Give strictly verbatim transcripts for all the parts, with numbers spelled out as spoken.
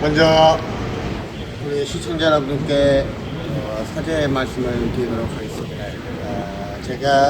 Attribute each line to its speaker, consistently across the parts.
Speaker 1: 먼저 우리 시청자 여러분께 어, 사죄의 말씀을 드리도록 하겠습니다. 어, 제가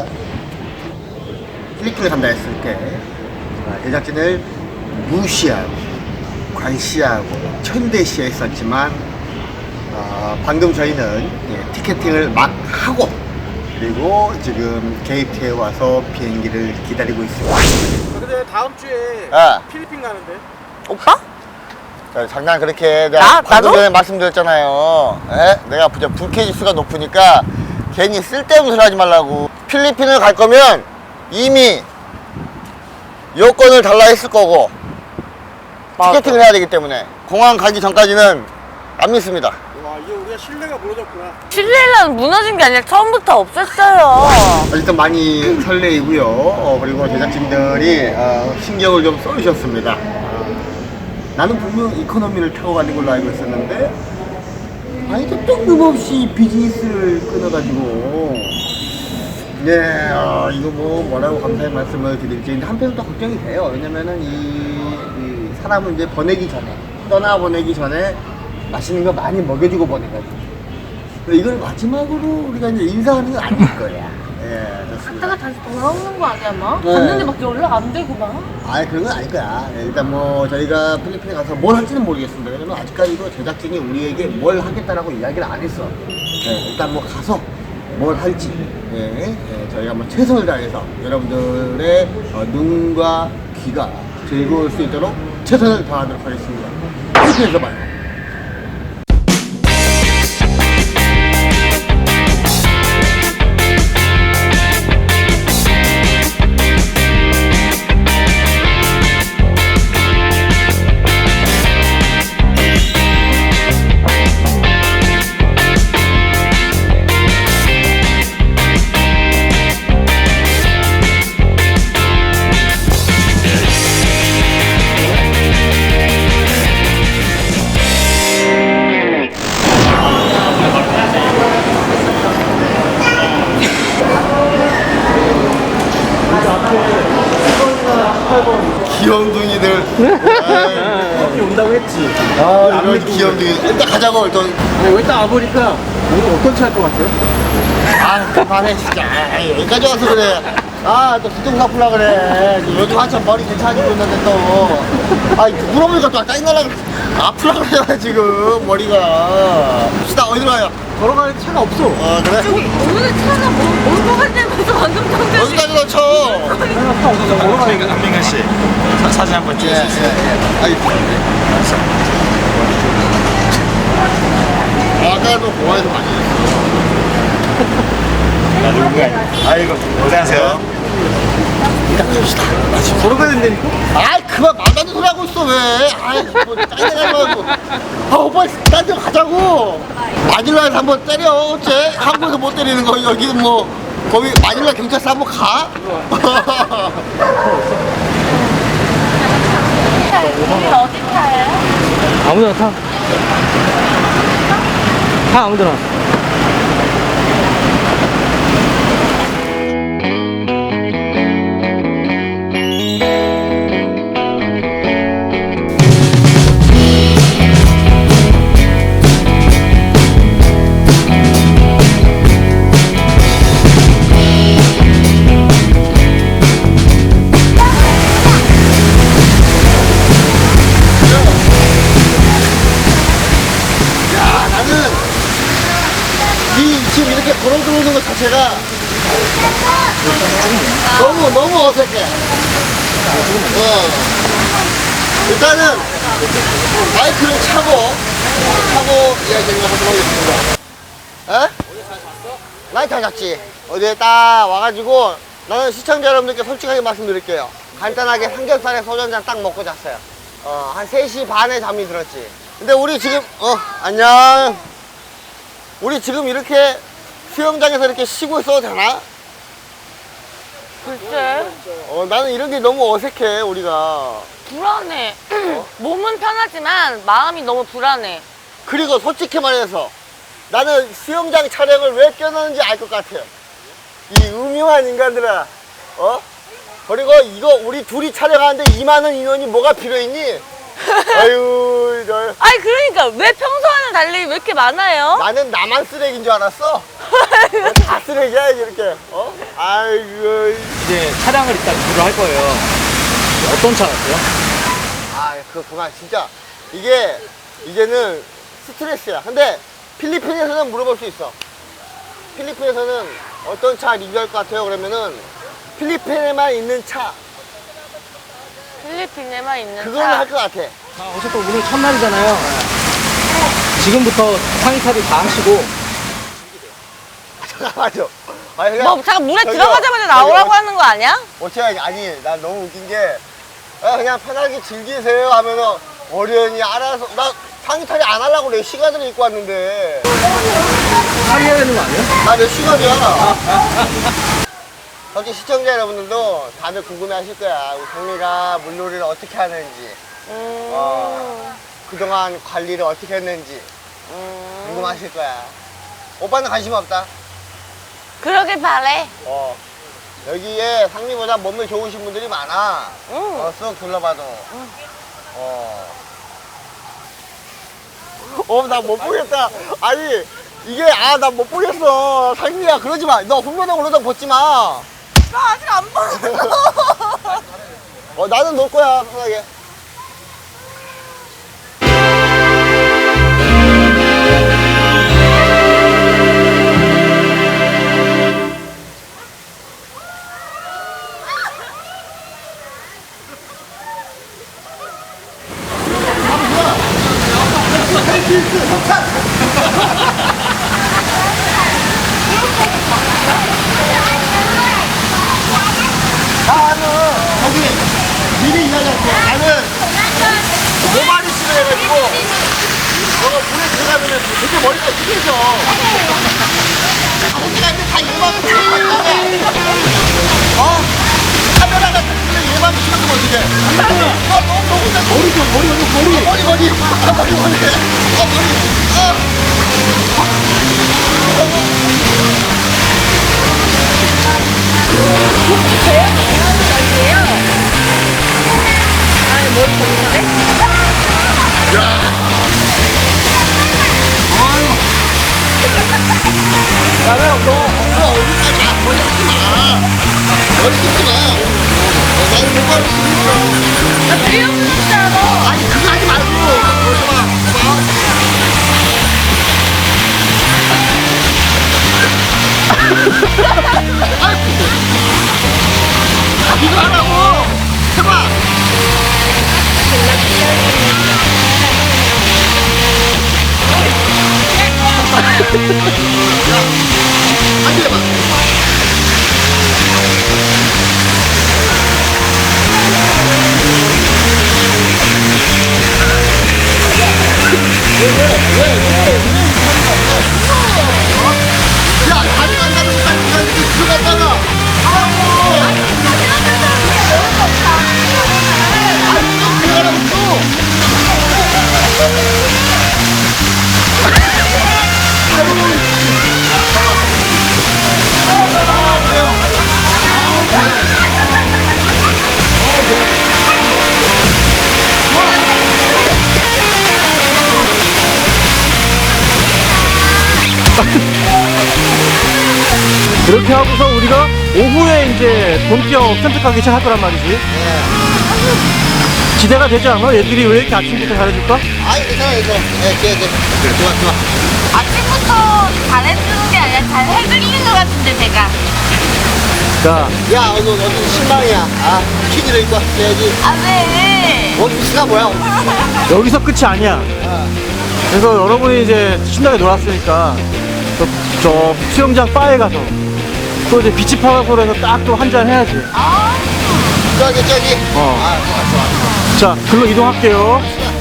Speaker 1: 필리핀을 간다 했을 때 어, 제작진을 무시하고 관시하고 천대시했었지만 어, 방금 저희는 예, 티켓팅을 막 하고 그리고 지금 게이트에 와서 비행기를 기다리고 있습니다.
Speaker 2: 근데 다음 주에
Speaker 1: 아.
Speaker 2: 필리핀 가는데?
Speaker 3: 오빠?
Speaker 1: 자, 장난 그렇게 내가
Speaker 3: 나?
Speaker 1: 방금
Speaker 3: 나도?
Speaker 1: 전에 말씀드렸잖아요. 에? 내가 부자 불쾌 지수가 높으니까 괜히 쓸데없는 소리 하지 말라고. 필리핀을 갈 거면 이미 여권을 달라 했을 거고
Speaker 3: 맞아.
Speaker 1: 티켓팅을 해야 되기 때문에 공항 가기 전까지는 안 믿습니다.
Speaker 2: 와, 이게 우리가 신뢰가 무너졌구나.
Speaker 3: 신뢰는 무너진 게 아니라 처음부터 없었어요.
Speaker 1: 일단 많이 설레이고요. 어, 그리고 제작진들이 어, 신경을 좀 써주셨습니다. 어, 나는 분명 이코노미를 타고 가는 걸로 알고 있었는데 아니 또 뜬금없이 비즈니스를 끊어가지고 네 어, 이거 뭐 뭐라고 감사의 말씀을 드릴지. 근데 한편으로 또 걱정이 돼요. 왜냐면은 이, 이 사람을 이제 보내기 전에 떠나보내기 전에 맛있는 거 많이 먹여주고 보내가지고 이걸 마지막으로 우리가 이제 인사하는 건 아닐 거야. 예, 좋습니다.
Speaker 3: 갔다가 다시 돌아오는 거 아니야, 막?
Speaker 1: 네.
Speaker 3: 갔는데 막 연락 안 되고 막?
Speaker 1: 아 그런 건 아닐 거야. 예, 일단 뭐 저희가 필리핀에 가서 뭘 할지는 모르겠습니다. 왜냐면 아직까지도 제작진이 우리에게 뭘 하겠다라고 이야기를 안 했어. 예, 일단 뭐 가서 뭘 할지 예, 예, 저희가 뭐 최선을 다해서 여러분들의 어, 눈과 귀가 즐거울 수 있도록 최선을 다하도록 하겠습니다. 필리핀에서 봐요. 귀염둥이들.
Speaker 2: 필리핀 온다고 했지.
Speaker 1: 아, 이런 귀염둥이. 일단 가자고, 일단.
Speaker 2: 아니, 왜 딱 와보니까 오늘 어떤 차 할 것 같아요?
Speaker 1: 아, 그만해, 진짜. 아이, 여기까지 와서 그래. 아, 또 뒤통 갚으려 그래. 요즘 한참 머리 괜찮아지고 있는데 또. 아, 물어보니까 또 짜증나려 그래. 아프려 그래, 지금, 머리가. 시다, 어디로 가요?
Speaker 2: 걸어가는 차가 없어.
Speaker 1: 어, 그래?
Speaker 3: 저기, 오늘 차가 뭐, 올것 같냐면서 방금 정도.
Speaker 1: 어디까지 넣쳐?
Speaker 2: 차 없어서 걸어가는 거.
Speaker 4: 안민근 씨 사- 사진 한번
Speaker 1: 예,
Speaker 4: 찍을 수 있어요?
Speaker 1: 예, 예. 아이, 아까도 공항에서 많이 했어.
Speaker 4: 아, 누군가 아이고 고생하세요.
Speaker 1: 일단 갑시다.
Speaker 2: 아, 지금 걸어가야 된다니까?
Speaker 1: 아이 그만 말도 안 되는 소리 하고 있어 왜. 아이 뭐 짜증나가지고. 아 오빠 딴 데 가자고. 마닐라에서 한번 때려. 어째 한국에서 못 때리는 거 여기 뭐 거기 마닐라 경찰서 한번 가.
Speaker 3: 우리 어디 타요?
Speaker 2: 아무데나 타. 타, 아무데나.
Speaker 1: 야 나는 이 지금 이렇게 걸어 들어오는 것 자체가 너무 너무 어색해. 어. 일단은 마이크를 차고 차고 이야기를 하도록 하겠습니다. 에? 많이 잘 잤지. 어제 딱 와가지고 나는 시청자 여러분들께 솔직하게 말씀드릴게요. 간단하게 삼겹살에 소주 한 잔 딱 먹고 잤어요. 어, 한 세 시 반에 잠이 들었지. 근데 우리 지금 어 안녕. 우리 지금 이렇게 수영장에서 이렇게 쉬고 있어도 되나?
Speaker 3: 글쎄,
Speaker 1: 어 나는 이런 게 너무 어색해 우리가.
Speaker 3: 불안해. 몸은 편하지만 마음이 너무 불안해.
Speaker 1: 그리고 솔직히 말해서 나는 수영장 촬영을 왜 껴넣는지 알 것 같아요. 이 음흉한 인간들아. 어? 그리고 이거 우리 둘이 촬영하는데 이만한 인원이 뭐가 필요했니? 아유, 저,
Speaker 3: 아니 그러니까 왜 평소와는 달리 왜 이렇게 많아요?
Speaker 1: 나는 나만 쓰레기인 줄 알았어. 다 쓰레기야, 이렇게. 어? 아이고.
Speaker 2: 이제 차량을 일단 구를 할 거예요. 어떤 차 같아요?
Speaker 1: 아, 그렇구나. 진짜. 이게, 이제는 스트레스야. 근데 필리핀에서는 물어볼 수 있어. 필리핀에서는 어떤 차 리뷰할 것 같아요? 그러면은 필리핀에만 있는 차.
Speaker 3: 필리핀에만 있는
Speaker 1: 그거는
Speaker 3: 차.
Speaker 1: 할 것 같아.
Speaker 2: 자, 어쨌든 오늘 첫날이잖아요. 지금부터 상의탑을 다 하시고
Speaker 1: 잠깐만요. 아니, 그냥
Speaker 3: 뭐 잠깐 물에
Speaker 1: 저기요,
Speaker 3: 들어가자마자
Speaker 1: 저기요,
Speaker 3: 나오라고
Speaker 1: 어-
Speaker 3: 하는 거 아니야?
Speaker 1: 어떻게 하지? 아니, 난 너무 웃긴 게 아, 그냥 편하게 즐기세요 하면은 어련히 알아서 나 상의탈이 안 하려고 내 시간을 입고 왔는데
Speaker 2: 상의해야 되는 거 아니에요?
Speaker 1: 나 몇 시간이야. 솔직히 시청자 여러분들도 다들 궁금해 하실 거야. 우리 상미가 물놀이를 어떻게 하는지,
Speaker 3: 음.
Speaker 1: 어, 그동안 관리를 어떻게 했는지
Speaker 3: 음.
Speaker 1: 궁금하실 거야. 오빠는 관심 없다.
Speaker 3: 그러길 바래.
Speaker 1: 어. 여기에 상미보다 몸이 좋으신 분들이 많아.
Speaker 3: 응.
Speaker 1: 어, 쓱 둘러봐도. 어. 어, 나 못 보겠다. 아니, 이게, 아, 나 못 보겠어. 상미야, 그러지 마. 너 훈련하고 그러다 벗지 마.
Speaker 3: 나 아직 안 봤어.
Speaker 1: 어, 나는 놀 거야, 편하게. 나는 저기 미리 이야기할게. 나는 모발이 심해가지고 너가 물에 들어가면 되게 머리가 튀겨져. 호기가 있는데 다 얘만 치면 어? 카메라가 들리면 얘만 치면 어떡해? 어, 너무 너무 잘 머리 좀 머리 머리 머리 머리 머리 아, 머리 머리 어 머리 어.
Speaker 3: 아니 뭘 보는데?
Speaker 1: 나는 너 엉덩이 어디까지 안 머리 하지 마. 머리 뜯지 마. 어, 나는 모발이 심했어.
Speaker 3: 나 뒤에 없었잖아.
Speaker 1: 아니 그거 하지 말고 그러지 마. 봐. 아이고. 이거 하라고. 해봐. 안 해봐. 야, 다리 간다는 것까지 그냥 이렇게 들어갔다가. 아이고. 아니, 좀 들어가라고 또.
Speaker 2: 그렇게 하고서 우리가 오후에 이제 본격 선택하기 시작할 거란 말이지. 기대가 되지 않아? 얘들이 왜 이렇게 아침부터 잘해줄까?
Speaker 1: 아이, 괜찮아, 괜찮아. 예, 예, 예. 좋아, 좋아.
Speaker 3: 아침부터 잘해주는 게 아니라 잘 해드리는 것 같은데 제가.
Speaker 2: 자,
Speaker 1: 야, 오늘 어디 신방이야. 아, 퀴즈를 입고 왔어야지.
Speaker 3: 아 왜?
Speaker 1: 원피스가 뭐야, 원피스.
Speaker 2: 여기서 끝이 아니야. 그래서 여러분이 이제 신나게 놀았으니까 저, 저 수영장 바에 가서 또 이제 비치 파라솔에서 딱 또 한 잔 해야지.
Speaker 1: 저기, 저기.
Speaker 2: 어.
Speaker 1: 아, 좋아, 좋아.
Speaker 2: 자, 글로 이동할게요.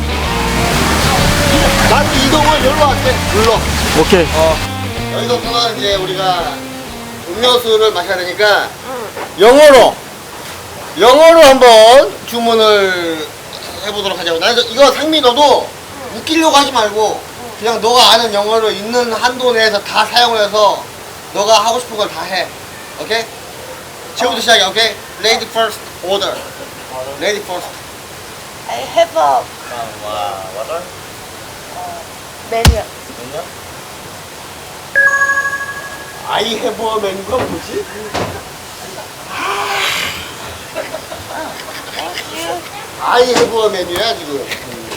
Speaker 1: 난 이동을 여기로 할게. 여기로.
Speaker 2: 오케이.
Speaker 1: 어. 여기서부터는 이제 우리가 음료수를 마셔야 되니까 영어로 영어로 한번 주문을 해보도록 하자고. 나 이거 상미 너도 웃기려고 하지 말고 그냥 너가 아는 영어로 있는 한도 내에서 다 사용을 해서 너가 하고 싶은 걸 다 해. 오케이? 지금부터 시작이야. 오케이? Lady first order. Lady first.
Speaker 3: I have a
Speaker 4: water?
Speaker 3: menu.
Speaker 1: I have a 메뉴가 뭐지?
Speaker 3: Thank you.
Speaker 1: I have a 메뉴야 지금.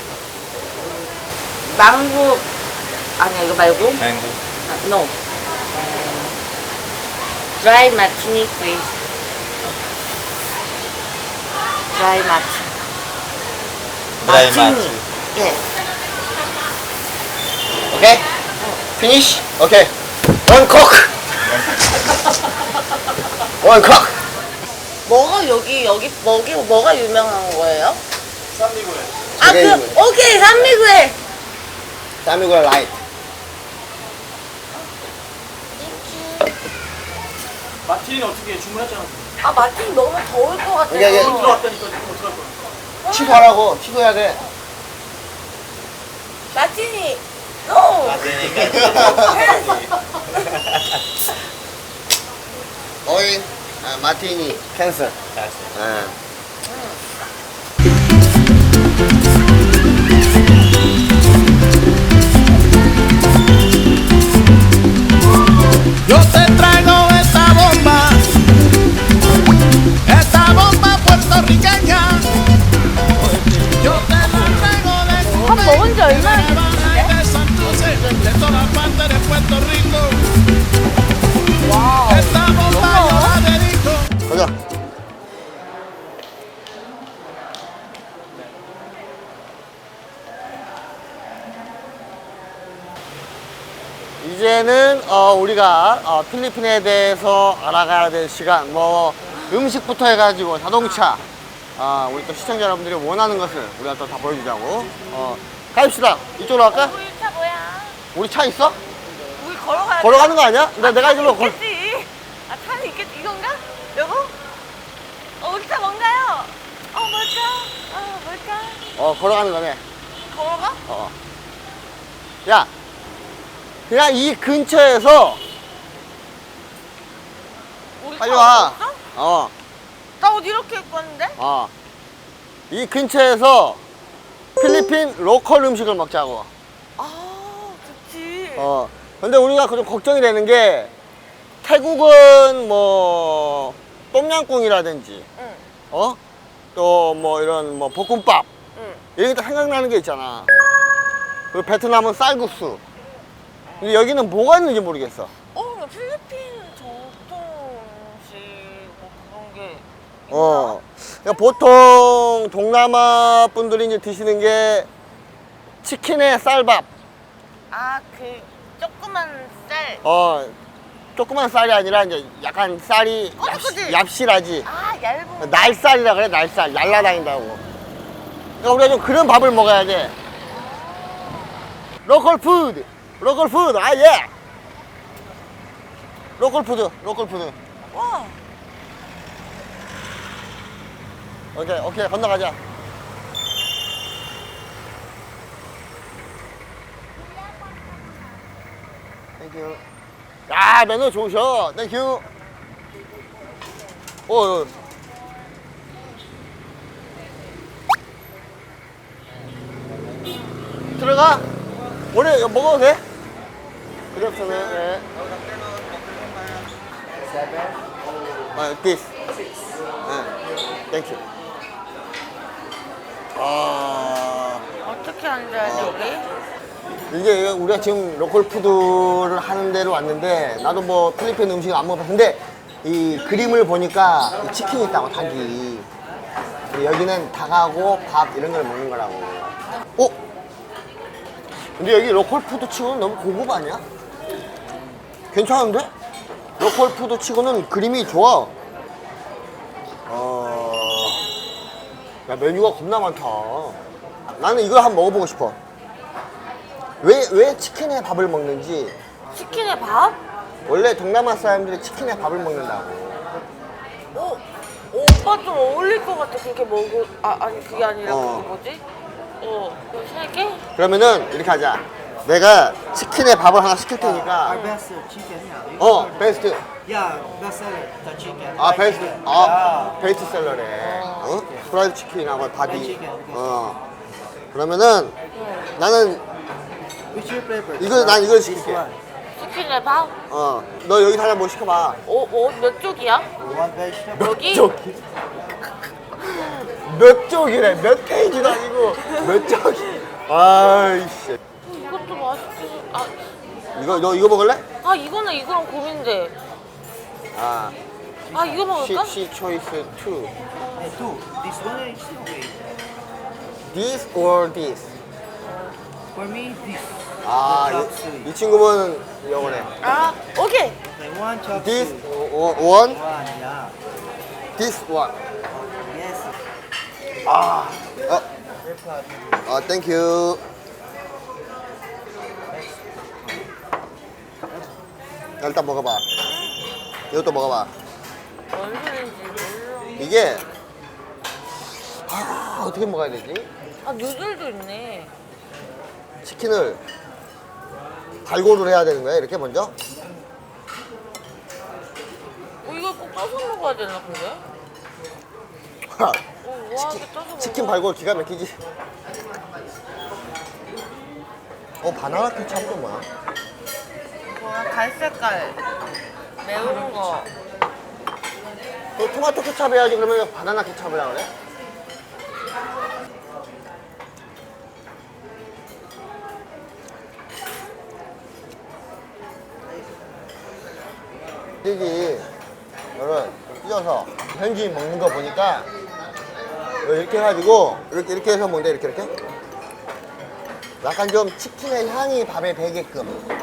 Speaker 3: 망고 아니야 이거 말고.
Speaker 4: Mango.
Speaker 3: 아, no. Dry martini please. Dry martini.
Speaker 4: Dry
Speaker 3: martini.
Speaker 4: martini.
Speaker 3: 예.
Speaker 1: 오케이? 피니시? 오케이. 원 콕. 원 콕.
Speaker 3: 뭐가 여기 여기 뭐기 뭐가 유명한 거예요?
Speaker 4: 쌈미구에.
Speaker 3: 아 그
Speaker 1: 조개구이.
Speaker 3: 오케이 산미구에.
Speaker 1: 쌈이고라 라이트.
Speaker 2: 마틴이 어떻게 주문했잖아.
Speaker 3: 아 마틴 너무 더울 것 같아요.
Speaker 1: 이게, 이게
Speaker 2: 들어왔다니까 지금 어떡할 거야.
Speaker 1: 취소하라고. 취소해야 돼.
Speaker 3: 마틴이 no.
Speaker 1: 어인 아, 마티니 캔슬. 아.
Speaker 5: Yo te traigo esta bomba, esta bomba puertorriqueña. Yo te la traigo de
Speaker 3: 밥 먹은 지 얼마나
Speaker 5: Cuba y de Santurce, de todas partes de Puerto Rico.
Speaker 3: 와우.
Speaker 5: Esta bomba yo la dedico.
Speaker 1: 가자. 이제는 어, 우리가 어, 필리핀에 대해서 알아가야 될 시간, 뭐 음식부터 해가지고 자동차, 어, 우리 또 시청자 여러분들이 원하는 것을 우리가 또 다 보여주자고. 어, 가입시다. 이쪽으로 갈까?
Speaker 3: 우리 차 뭐야?
Speaker 1: 우리 차 있어?
Speaker 3: 우리 걸어가야
Speaker 1: 걸어가는 거 아니야? 나 내가 이걸로 걸.
Speaker 3: 있겠지. 아 차는 있겠지 이건가? 여보? 어 우리 차 뭔가요? 어 뭘까? 어 뭘까?
Speaker 1: 어, 걸어가는 거네.
Speaker 3: 걸어가?
Speaker 1: 어. 야, 그냥 이 근처에서
Speaker 3: 우리
Speaker 1: 빨리
Speaker 3: 차
Speaker 1: 와.
Speaker 3: 없었어?
Speaker 1: 어,
Speaker 3: 나 옷 이렇게 입고 왔는데?
Speaker 1: 어. 이 근처에서 필리핀 로컬 음식을 먹자고.
Speaker 3: 아 좋지.
Speaker 1: 어. 근데 우리가 좀 걱정이 되는 게 태국은 뭐 똠양꿍이라든지,
Speaker 3: 응.
Speaker 1: 어? 또 뭐 이런 뭐 볶음밥
Speaker 3: 응.
Speaker 1: 이런 게 생각나는 게 있잖아. 그리고 베트남은 쌀국수. 근데 여기는 뭐가 있는지 모르겠어.
Speaker 3: 어 근데 필리핀 전통 음식 뭐 그런 게 있나?
Speaker 1: 어. 그러니까 보통 동남아 분들이 이제 드시는 게 치킨에 쌀밥.
Speaker 3: 아그 조그만 쌀.
Speaker 1: 어. 조그만 쌀이 아니라 이제 약간 쌀이
Speaker 3: 어,
Speaker 1: 얍시,
Speaker 3: 그치?
Speaker 1: 얍실하지.
Speaker 3: 아 얇은.
Speaker 1: 날쌀이라 그래, 날쌀. 날라다닌다고. 그러니까 우리가 좀 그런 밥을 먹어야 돼. 로컬 푸드. 로컬 푸드. 아, 예. 로컬 푸드. 로컬 푸드.
Speaker 3: 와.
Speaker 1: 오케이, 오케이. 건너가자. 땡큐. 야, 매너 좋으셔. 땡큐. 오, 오. 들어가. 원래 이거 먹어도 돼? 그렇잖아. 네. 아, this. 네. 땡큐. 아.
Speaker 3: 어떻게 앉아야 돼 우리?
Speaker 1: 이게 우리가 지금 로컬 푸드를 하는 데로 왔는데 나도 뭐 필리핀 음식 안 먹어봤는데 이 그림을 보니까 이 치킨이 있다고 닭이. 여기는 닭하고 밥 이런 걸 먹는 거라고. 어? 근데 여기 로컬 푸드 치고는 너무 고급 아니야? 괜찮은데? 로컬 푸드 치고는 그림이 좋아. 어... 야, 메뉴가 겁나 많다. 나는 이걸 한번 먹어보고 싶어. 왜, 왜 치킨에 밥을 먹는지.
Speaker 3: 치킨에 밥?
Speaker 1: 원래 동남아 사람들이 치킨에 밥을 먹는다고.
Speaker 3: 어? 오빠 좀 어울릴 것 같아 그렇게 먹을. 아 아니 그게 아니라
Speaker 1: 어.
Speaker 3: 그게 뭐지? 어. 이거 세 개?
Speaker 1: 그러면은 이렇게 하자. 내가 치킨에 밥을 하나 시킬 테니까.
Speaker 6: Our best chicken이야.
Speaker 1: 어, 베스트.
Speaker 6: Yeah, best seller, the chicken.
Speaker 1: 아, 베스트. 아, 베스트 셀러래. 어? 프라이드 치킨하고 바디. 어. 그러면은 나는
Speaker 2: Which you prefer?
Speaker 1: 이거 난 이걸 시킬게.
Speaker 3: 치킨에 밥?
Speaker 1: 어. 너 여기 하나 뭐 시켜봐.
Speaker 3: 오, 오, 몇 쪽이야?
Speaker 2: One vegetable.
Speaker 3: 여기?
Speaker 1: 쪽이. 몇 쪽이래? 몇 페이지도 아니고 몇 쪽이. 아이씨.
Speaker 3: 이것도 맛있지. 아,
Speaker 1: 이거 너 이거 먹을래?
Speaker 3: 아 이거는 이거랑 고민돼.
Speaker 1: 아.
Speaker 3: 아 이거 먹을까?
Speaker 1: 시, 시 초이스 투.
Speaker 2: Hey, two. This one is okay.
Speaker 1: This or this?
Speaker 2: For me, this.
Speaker 1: 아,
Speaker 2: chop
Speaker 1: 이,
Speaker 2: suey.
Speaker 1: 이 친구는 영어네.
Speaker 3: 아 오케이.
Speaker 2: Okay, one chop
Speaker 1: This
Speaker 2: suey.
Speaker 1: o- one,
Speaker 2: One, yeah.
Speaker 1: this one.
Speaker 2: Yes.
Speaker 1: 아, 어, 아, thank you. 야, 일단 먹어봐. 이것도 먹어봐.
Speaker 3: 뭔 소리인지 몰라.
Speaker 1: 이게 아, 어떻게 먹어야 되지?
Speaker 3: 아 누들도 있네.
Speaker 1: 치킨을 발골을 해야 되는 거야? 이렇게 먼저?
Speaker 3: 어 이거 꼭 떠서 먹어야 되나 근데?
Speaker 1: 하,
Speaker 3: 어 우아하게 떠서 먹어.
Speaker 1: 치킨 발골 기가 막히지. 어, 바나나 케찹도 뭐야?
Speaker 3: 뭐야 갈색깔 매운 거.
Speaker 1: 너 토마토 케찹 해야지. 그러면 왜 바나나 케찹을 하래? 여기 이거를 찢어서 현지인 먹는 거 보니까 이렇게 해가지고 이렇게 이렇게 해서 먹는데 이렇게 이렇게 약간 좀 치킨의 향이 밥에 배게끔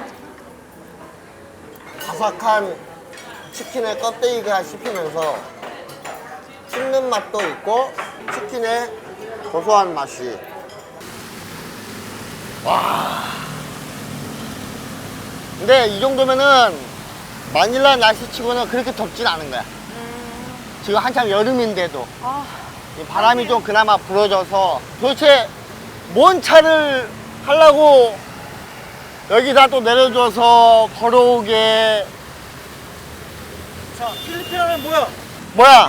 Speaker 1: 바삭한 치킨의 껍데기가 씹히면서 씹는 맛도 있고 치킨의 고소한 맛이. 와. 근데 이 정도면은 마닐라 날씨치고는 그렇게 덥진 않은 거야. 지금 한참 여름인데도
Speaker 3: 아
Speaker 1: 이 바람이 좀 그나마 불어져서 도대체 뭔 차를 하려고 여기다 또 내려줘서 걸어오게.
Speaker 2: 자, 필리핀 하면 뭐야?
Speaker 1: 뭐야?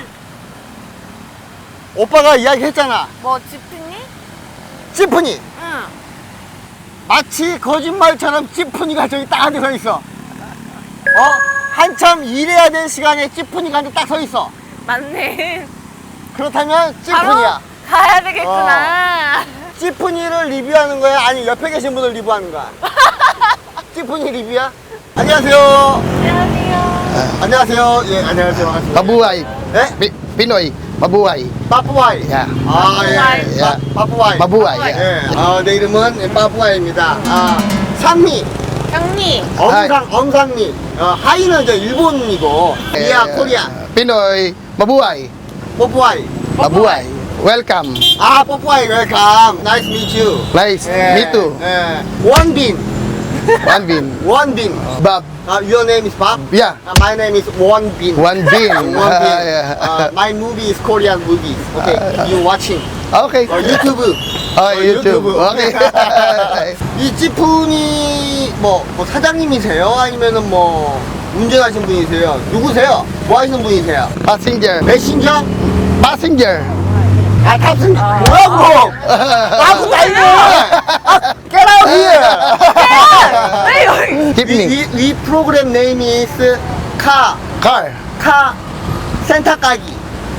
Speaker 1: 오빠가 이야기했잖아.
Speaker 3: 뭐 지프니?
Speaker 1: 지프니.
Speaker 3: 응.
Speaker 1: 마치 거짓말처럼 지프니가 저기 딱 한 대 서 있어. 어? 한참 일해야 될 시간에 지프니가 한 대 딱 서 있어.
Speaker 3: 맞네.
Speaker 1: 그렇다면
Speaker 3: 바로
Speaker 1: 지프니야.
Speaker 3: 가야 되겠구나.
Speaker 1: 지프니를 리뷰하는 거야? 아니 옆에 계신 분을 리뷰하는 거야? 지프니 리뷰야? 안녕하세요.
Speaker 3: 안녕하세요.
Speaker 1: 안녕하세요. 예, 안녕하세요. 반갑습니다.
Speaker 6: Mabuhay.
Speaker 1: 네?
Speaker 6: Pi- Pinoy. Mabuhay.
Speaker 1: 빠뿌와이.
Speaker 6: 야.
Speaker 1: 아, 예.
Speaker 3: 빠뿌와이.
Speaker 1: 빠- 빠뿌와이.
Speaker 6: Mabuhay. Yeah.
Speaker 1: 예. 아, 내 이름은 빠뿌와이입니다. 아, 상미.
Speaker 3: 형님.
Speaker 1: 엄상, 엄상미. 어, 하이는 저 일본이고, 미야,
Speaker 6: Eh,
Speaker 1: 코리아.
Speaker 6: Pinoy. Mabuhay.
Speaker 1: 뽀뿌와이.
Speaker 6: Mabuhay. Welcome.
Speaker 1: 아, 뽀뿌와이, 웰컴. 나이스 미츠 유.
Speaker 6: Nice.
Speaker 1: 예.
Speaker 6: Me too.
Speaker 1: 예. 원빈.
Speaker 6: One bin.
Speaker 1: 원빈.
Speaker 6: Bob.
Speaker 1: Uh, your name is Bob?
Speaker 6: Yeah.
Speaker 1: Uh, my name is Won Bin.
Speaker 6: One bin.
Speaker 1: Won Bin.
Speaker 6: Ah, yeah.
Speaker 1: Uh, my movie is Korean movies. Okay, you watching?
Speaker 6: Okay.
Speaker 1: Or YouTube?
Speaker 6: Oh,
Speaker 1: Or
Speaker 6: YouTube. Okay.
Speaker 1: 이 찌푸니 뭐, 뭐 사장님이세요? 아니면은 뭐 운전하신 분이세요? 누구세요? 뭐 하시는 분이세요?
Speaker 6: Passenger.
Speaker 1: 메신저?
Speaker 6: Passenger.
Speaker 1: 아, 탑승 뭐라고? 나하고 달려! 아, get out here!
Speaker 3: 왜 여기?
Speaker 6: Keep
Speaker 1: 이,
Speaker 6: me.
Speaker 1: 이, 이 프로그램 네임이 is 카
Speaker 6: Car.
Speaker 1: 카 센터 까기.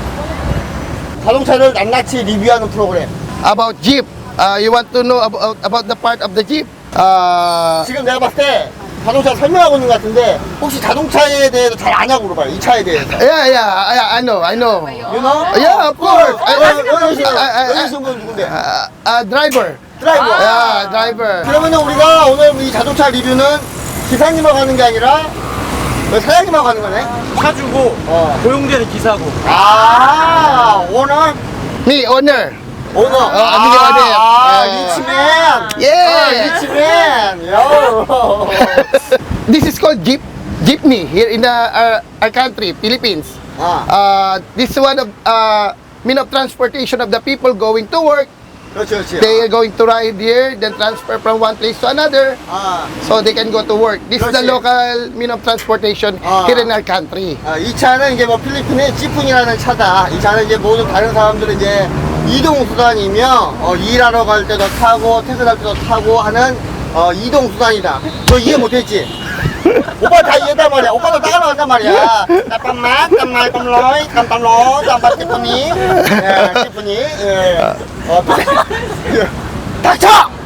Speaker 1: 자동차를 낱낱이 리뷰하는 프로그램.
Speaker 6: About Jeep. Uh, you want to know about, about the part of the Jeep? Uh,
Speaker 1: 지금 내가 봤을 때 자동차 설명하고 있는 것 같은데 혹시 자동차에 대해서 잘 아냐고 물어봐요. 이 차에 대해서.
Speaker 6: yeah, yeah, yeah, I know, I know.
Speaker 1: You know?
Speaker 6: Yeah, of course.
Speaker 1: 어,
Speaker 6: I-
Speaker 1: 여기
Speaker 6: I-
Speaker 1: 여기
Speaker 6: I- I-
Speaker 1: 여기 계신 분 누군데?
Speaker 6: Uh, uh, driver.
Speaker 1: 드라이버.
Speaker 6: Yeah, driver.
Speaker 1: 그러면 우리가 오늘 이 자동차 리뷰는 기사님하고 하는 게 아니라 왜 사장님하고 하는 거네?
Speaker 2: 차주고
Speaker 1: 어.
Speaker 2: 고용되는 기사고.
Speaker 1: 아, 오너?
Speaker 6: Me, owner.
Speaker 1: 오너.
Speaker 6: 어, 아버지, 아버지.
Speaker 1: 아,
Speaker 6: 예.
Speaker 1: 리치맨.
Speaker 6: 예.
Speaker 1: 아, 리치맨. 요.
Speaker 6: This is called Jeep. Jeepney here in the, our, our country, Philippines.
Speaker 1: 아.
Speaker 6: Uh, this is one of uh, mean of transportation of the people going to work
Speaker 1: 그렇지, 그렇지.
Speaker 6: They are going to ride here, then transfer from one place to another,
Speaker 1: 아,
Speaker 6: so they can go to work. This is the
Speaker 1: 그렇지.
Speaker 6: local mean of transportation
Speaker 1: 아.
Speaker 6: here in our country.
Speaker 1: 아, 이 차는 이제 뭐 필리핀의 지푼이라는 차다. 이 차는 이제 모든 다른 사람들은 이제 이동 수단이며 어, 일하러 갈 때도 타고 퇴근할 때도 타고 하는 어, 이동 수단이다. 너 이해 못했지? 오빠 다 이해했단 말이야. 오빠도 따라간단 말이야. 잠깐만, 잠깐만, 잠깐만, 잠깐만, 잠깐만, 티프니, 예, 티프니, 예, 어, 닥쳐!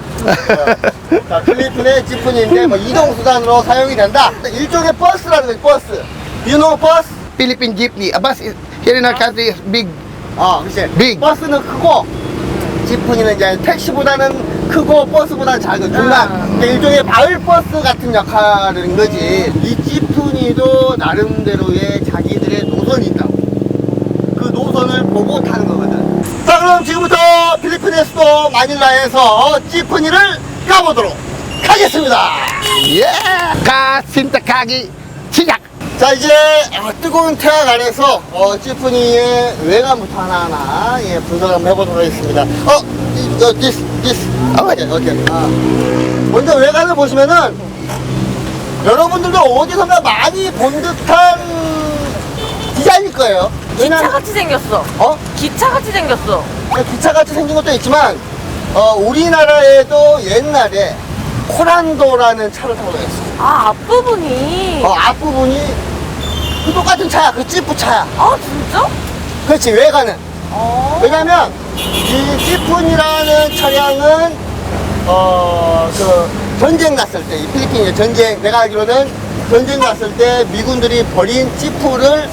Speaker 1: 어, 자, 필리핀의 지푼인데 뭐 이동 수단으로 사용이 된다. 일종의 버스라는 거지, 버스. You know bus?
Speaker 6: Philippine jeepney. A bus is, here in our country is big.
Speaker 1: 어, 그치.
Speaker 6: Big.
Speaker 1: 버스는 크고, 지푼이는 이제 택시보다는 크고, 버스보다는 작은 중간. 그러니까 일종의 마을버스 같은 역할인 거지. 이 지푼이도 나름대로의 자기들의 노선이 있다고. 그 노선을 보고 타는 거거든. 자, 그럼 지금부터 필리핀의 수도 마닐라에서 지푼이를 가보도록 하겠습니다.
Speaker 6: Yeah! Kasintakagi siyak.
Speaker 1: 자, 이제 아, 뜨거운 태양 아래서 어, 찌푸니의 외관부터 하나하나 예, 분석을 한번 해보도록 하겠습니다. 어, 이, 어, this, this. 오케이, 오케이. 아. 먼저 외관을 보시면은 여러분들도 어디선가 많이 본 듯한 디자인일 거예요. 왜냐면
Speaker 3: 기차같이 생겼어.
Speaker 1: 어?
Speaker 3: 기차같이 생겼어.
Speaker 1: 기차같이 생긴 것도 있지만 어, 우리나라에도 옛날에 코란도라는 차를 타고 다녔어.
Speaker 3: 아, 앞부분이.
Speaker 1: 어, 앞부분이 그 똑같은 차야. 그 찌푸 차야.
Speaker 3: 아, 진짜?
Speaker 1: 그렇지, 외관은.
Speaker 3: 어.
Speaker 1: 왜냐면 이 지푼이라는 차량은 어 그 전쟁 났을 때 이 필리핀의 전쟁 내가 알기로는 전쟁 났을 때 미군들이 버린 지푸를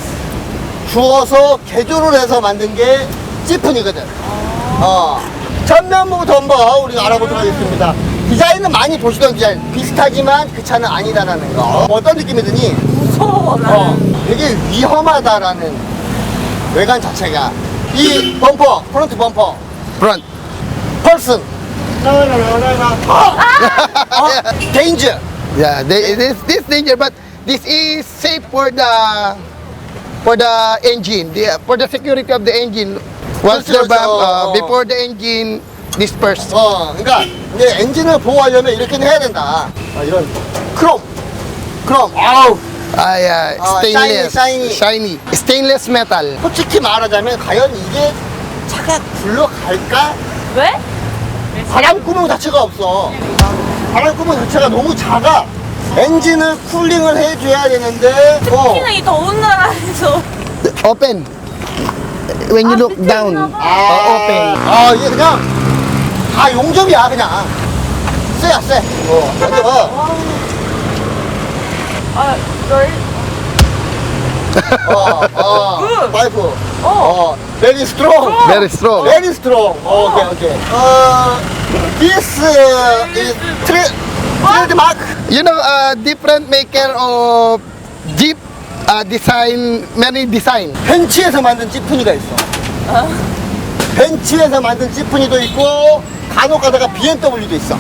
Speaker 1: 주워서 개조를 해서 만든 게 지푼이거든. 어 전면부부터 한번 우리가 알아보도록 하겠습니다. 디자인은 많이 보시던 디자인 비슷하지만 그 차는 아니다라는 거. 어떤 느낌이 드니?
Speaker 3: 무서워,
Speaker 1: 어,
Speaker 3: 나는.
Speaker 1: 되게 위험하다라는 외관 자체가. 이 범퍼, 프론트 범퍼,
Speaker 6: Front.
Speaker 1: 펄슨. 어, 데인저.
Speaker 6: Yeah, they, this this danger, but this is safe for the for the engine, the, for the security of the engine. Once
Speaker 1: 그렇죠,
Speaker 6: the bomb,
Speaker 1: 그렇죠.
Speaker 6: uh, before the engine dispersed.
Speaker 1: 어, 그러니까 이제 엔진을 보호하려면 이렇게는 해야 된다. 아, 이런 크롬, 크롬. 아우.
Speaker 6: Ah, yeah,
Speaker 1: Ah,
Speaker 6: stainless,
Speaker 1: shiny,
Speaker 6: shiny, stainless metal.
Speaker 1: 솔직히 말하자면 과연 이게 차가 굴러갈까?
Speaker 3: 왜?
Speaker 1: 바람 구멍 자체가 없어. 바람 구멍 자체가 너무 작아. 엔진을 쿨링을 해줘야 되는데. 어.
Speaker 3: 특히나 이 더운 나라에서.
Speaker 6: Open. When you
Speaker 3: Ah,
Speaker 6: look
Speaker 3: 밑에
Speaker 6: down,
Speaker 3: 있나 봐.
Speaker 6: uh, open.
Speaker 1: 아, 이게 그냥 다 용접이야, 그냥. 쎄야, 쎄. 어, 완전.
Speaker 3: 아, 널.
Speaker 1: 어, 어,
Speaker 3: 굿.
Speaker 1: 파이프.
Speaker 3: 어.
Speaker 1: 어, very strong.
Speaker 6: Very strong.
Speaker 1: Very strong. 어, 오케이, 오케이. 어, this uh, is tra- trademark.
Speaker 6: You know, uh, different maker of Jeep uh, design, many design.
Speaker 1: 벤츠에서 만든 지프니가 있어. 벤츠에서 만든 지프니도 있고, 간혹 가다가 비엠더블유도 있어.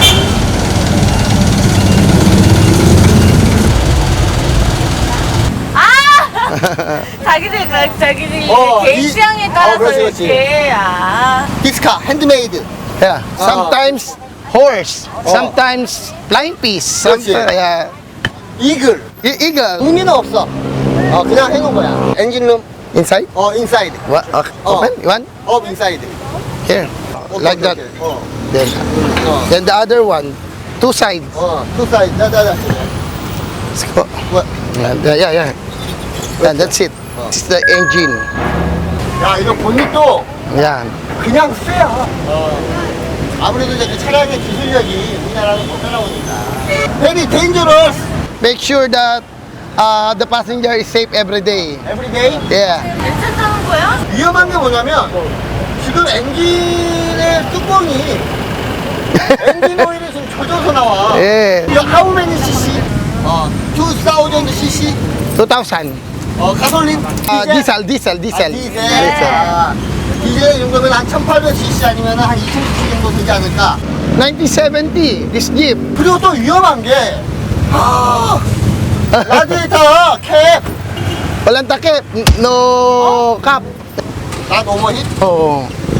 Speaker 3: 자기들, 그- 자기들
Speaker 1: 어,
Speaker 3: 개인
Speaker 1: 이-
Speaker 3: 취향에
Speaker 1: 어,
Speaker 3: 따라서
Speaker 1: 그렇지, 그렇지.
Speaker 3: 이렇게. 아.
Speaker 1: 디스카, 핸드메이드.
Speaker 6: Yeah. Sometimes horse,
Speaker 1: Oh.
Speaker 6: sometimes flying piece,
Speaker 1: 그렇지.
Speaker 6: sometimes yeah.
Speaker 1: 이글.
Speaker 6: E- eagle.
Speaker 1: 의미는 없어. 어, 그냥 해놓은 거야. 엔진룸,
Speaker 6: Inside?
Speaker 1: 어, 인사이드.
Speaker 6: What? Okay.
Speaker 1: Oh.
Speaker 6: Open? You want?
Speaker 1: 업, 인사이드.
Speaker 6: Here. like that.
Speaker 1: 어,
Speaker 6: Then,
Speaker 1: 어,
Speaker 6: then the other one, two sides.
Speaker 1: 어, 투 사이드. 자, 자, 자.
Speaker 6: Let's go.
Speaker 1: 뭐,
Speaker 6: Yeah, yeah, yeah. Yeah, that's it. This is the engine.
Speaker 1: 야, 이거 본닛도
Speaker 6: Yeah.
Speaker 1: 그냥 쎄야. 어. 아무래도 이제 그 차량의 기술력이 우리나라는 못 따라오니까. Very dangerous
Speaker 6: Make sure that uh, the passenger is safe every day.
Speaker 1: every day.
Speaker 6: Yeah.
Speaker 3: 괜찮다는 거야?
Speaker 1: 위험한 게 뭐냐면 지금 엔진의 뚜껑이 엔진 오일이 지금 젖어서 나와.
Speaker 6: 예.
Speaker 1: 이거 how many cc? 어, two thousand cc.
Speaker 6: two thousand.
Speaker 1: 어, 가솔린.
Speaker 6: Uh, diesel, diesel, diesel.
Speaker 1: 아, 디젤. 아, 디젤 정도면 한 천팔백 cc 아니면 한 이천 cc 정도 되지 않을까?
Speaker 6: nineteen seventy, this Jeep.
Speaker 1: 그리고 또 위험한 게 아, 라디에이터 캡.
Speaker 6: Walang takip, no cap.
Speaker 1: 나 오버힛.
Speaker 6: Oh,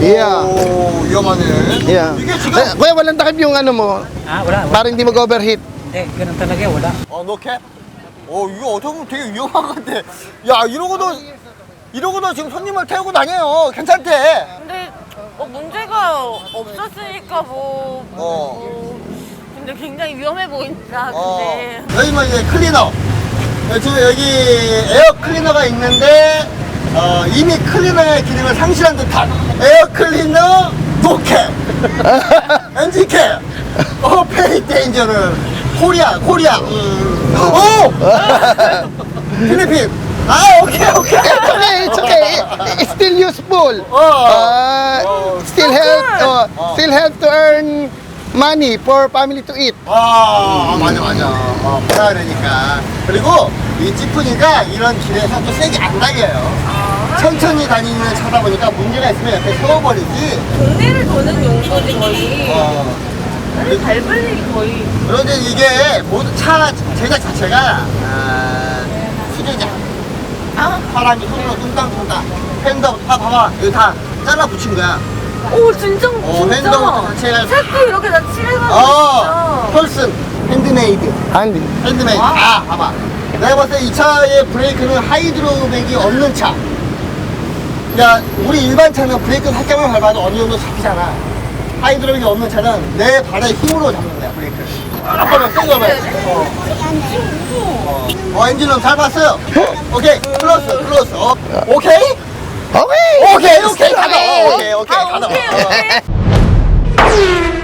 Speaker 6: Yeah.
Speaker 1: 오, 위험하네.
Speaker 6: Yeah.
Speaker 1: 이게 지금
Speaker 6: Eh, kuya, walang takip yung ano mo.
Speaker 7: Ah, wala. wala.
Speaker 6: Para hindi mag-overheat.
Speaker 7: Eh, ganun talaga, wala.
Speaker 1: 어, 너 캡? 어, 이거 어떻게 보면 되게 위험한 건데. 야, 이러고도 이러고도 지금 손님을 태우고 다녀요. 괜찮대.
Speaker 3: 근데 뭐 문제가 없었으니까 뭐,
Speaker 1: 어.
Speaker 3: 뭐 근데 굉장히 위험해 보인다.
Speaker 1: 어.
Speaker 3: 근데
Speaker 1: 여기 뭐 이제 클리너. 어, 지금 여기 에어 클리너가 있는데 어, 이미 클리너의 기능을 상실한 듯한 에어 클리너 노캡 엔진 캡 어, 페이 데인저를 코리아 코리아 음. 오 필리핀 아 오케이 오케이
Speaker 6: It's okay, it's okay. It- It's still useful.
Speaker 1: 어.
Speaker 6: Uh, still help, uh, still help to earn money for family to eat.
Speaker 1: 아, 아 맞아 맞아 어, 보라 그러니까 그리고 이 찌푸니가 이런 길에서 또 세게 안 달려요 천천히 다니는 차다 보니까 문제가 있으면 옆에 세워버리지
Speaker 3: 동네를 도는 용도지 거의.
Speaker 1: 어.
Speaker 3: 아니, 밟을 일이 거의.
Speaker 1: 그런데 이게 모든 차 제작 자체가 아, 수제작
Speaker 3: 아,
Speaker 1: 사람이 손으로 뚱땅뚱땅 팬더 다 봐봐 여기 다 잘라 붙인 거야
Speaker 3: 오 진짜
Speaker 1: 어,
Speaker 3: 진짜.
Speaker 1: 핸드부터 자체가
Speaker 3: 색도 이렇게 다 칠해가지고.
Speaker 1: 어
Speaker 3: 진짜.
Speaker 1: 펄슨 핸드메이드
Speaker 6: Handy.
Speaker 1: 핸드메이드
Speaker 3: 와.
Speaker 1: 아 봐봐 내가 봤을 때 이 차의 브레이크는 하이드로백이 없는 차 야, 우리 일반 차는 브레이크 살짝만 밟아도 어느 정도 잡히잖아. 하이드로백이 없는 차는 내 발의 힘으로 잡는 거야, 브레이크를. 한번만 세게 밟아야 돼. 어. 어. 어, 엔진룸 잘 봤어요. 오케이, 클로스, 클로스. 어. 오케이?
Speaker 6: Okay.
Speaker 1: 오케이, 오케이, 가자. 어, 오케이, 오케이,
Speaker 3: 아,
Speaker 1: 가자.
Speaker 3: 오케이,
Speaker 1: 어.
Speaker 3: 오케이.